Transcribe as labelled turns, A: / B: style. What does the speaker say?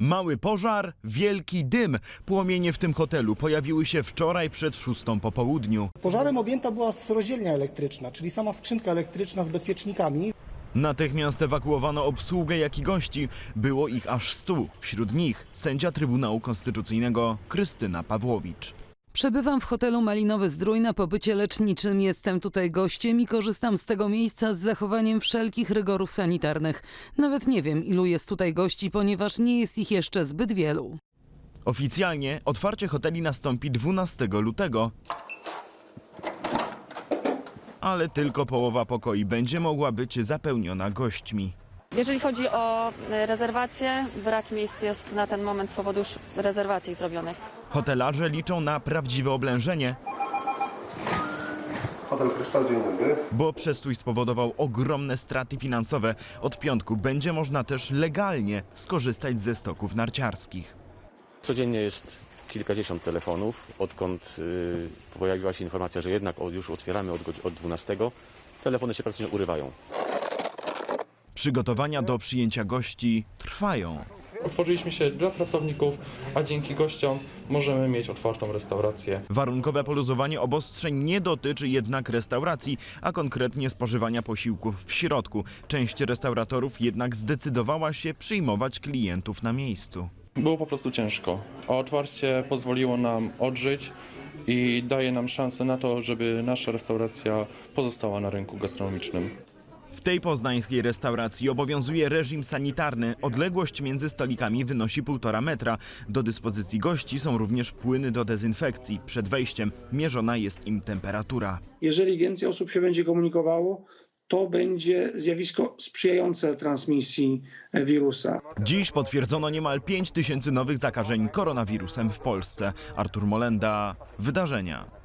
A: Mały pożar, wielki dym. Płomienie w tym hotelu pojawiły się wczoraj przed 6 po południu.
B: Pożarem objęta była rozdzielnia elektryczna, czyli sama skrzynka elektryczna z bezpiecznikami.
A: Natychmiast ewakuowano obsługę, jak i gości. Było ich aż 100. Wśród nich sędzia Trybunału Konstytucyjnego Krystyna Pawłowicz.
C: Przebywam w hotelu Malinowy Zdrój na pobycie leczniczym. Jestem tutaj gościem i korzystam z tego miejsca z zachowaniem wszelkich rygorów sanitarnych. Nawet nie wiem, ilu jest tutaj gości, ponieważ nie jest ich jeszcze zbyt wielu.
A: Oficjalnie otwarcie hoteli nastąpi 12 lutego. Ale tylko połowa pokoi będzie mogła być zapełniona gośćmi.
D: Jeżeli chodzi o rezerwacje, brak miejsc jest na ten moment z powodu już rezerwacji zrobionych.
A: Hotelarze liczą na prawdziwe oblężenie,
E: Hotel Kryształ, dzień dobry.
A: bo przestój spowodował ogromne straty finansowe. Od piątku będzie można też legalnie skorzystać ze stoków narciarskich.
F: Codziennie jest kilkadziesiąt telefonów, odkąd pojawiła się informacja, że jednak już otwieramy od 12, telefony się praktycznie urywają.
A: Przygotowania do przyjęcia gości trwają.
G: Otworzyliśmy się dla pracowników, a dzięki gościom możemy mieć otwartą restaurację.
A: Warunkowe poluzowanie obostrzeń nie dotyczy jednak restauracji, a konkretnie spożywania posiłków w środku. Część restauratorów jednak zdecydowała się przyjmować klientów na miejscu.
G: Było po prostu ciężko, a otwarcie pozwoliło nam odżyć i daje nam szansę na to, żeby nasza restauracja pozostała na rynku gastronomicznym.
A: W tej poznańskiej restauracji obowiązuje reżim sanitarny. Odległość między stolikami wynosi 1,5 metra. Do dyspozycji gości są również płyny do dezynfekcji. Przed wejściem mierzona jest im temperatura.
H: Jeżeli więcej osób się będzie komunikowało, to będzie zjawisko sprzyjające transmisji wirusa.
A: Dziś potwierdzono niemal 5000 nowych zakażeń koronawirusem w Polsce. Artur Molenda, Wydarzenia.